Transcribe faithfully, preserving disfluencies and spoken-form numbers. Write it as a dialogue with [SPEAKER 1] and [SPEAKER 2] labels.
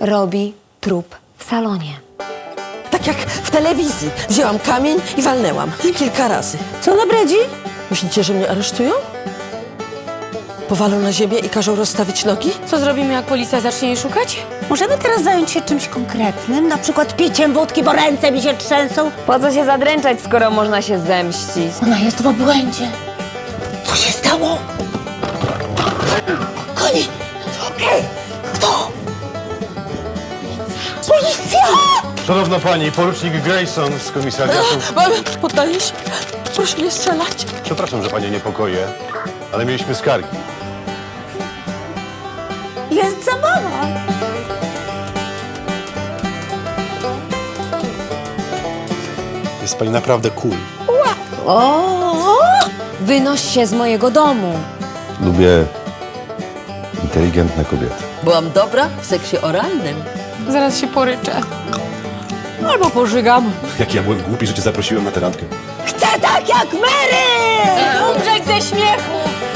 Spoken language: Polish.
[SPEAKER 1] robi trup w salonie.
[SPEAKER 2] Tak jak w telewizji. Wzięłam kamień i walnęłam. Kilka razy.
[SPEAKER 3] Co na bredzi?
[SPEAKER 2] Myślicie, że mnie aresztują? Powalą na ziemię i każą rozstawić nogi?
[SPEAKER 1] Co zrobimy, jak policja zacznie jej szukać?
[SPEAKER 3] Możemy teraz zająć się czymś konkretnym, na przykład piciem wódki, bo ręce mi się trzęsą.
[SPEAKER 1] Po co się zadręczać, skoro można się zemścić?
[SPEAKER 3] Ona jest w obłędzie. Co się stało? Koni! Okej! Kto? Policja!
[SPEAKER 4] Szanowna pani, porucznik Grayson z komisariatu.
[SPEAKER 2] Mamy, poddaję się. Proszę nie strzelać.
[SPEAKER 4] Przepraszam, że panią niepokoję, ale mieliśmy skargi.
[SPEAKER 3] Jest zabawa.
[SPEAKER 4] Jest pani naprawdę cool.
[SPEAKER 3] O!
[SPEAKER 1] Wynoś się z mojego domu.
[SPEAKER 4] Lubię inteligentne kobiety.
[SPEAKER 2] Byłam dobra w seksie oralnym.
[SPEAKER 1] Zaraz się poryczę. Albo pożygam.
[SPEAKER 4] Jak ja byłem głupi, że cię zaprosiłem na tę randkę.
[SPEAKER 3] Chcę tak jak Mary!
[SPEAKER 1] Umrzeć ze śmiechu!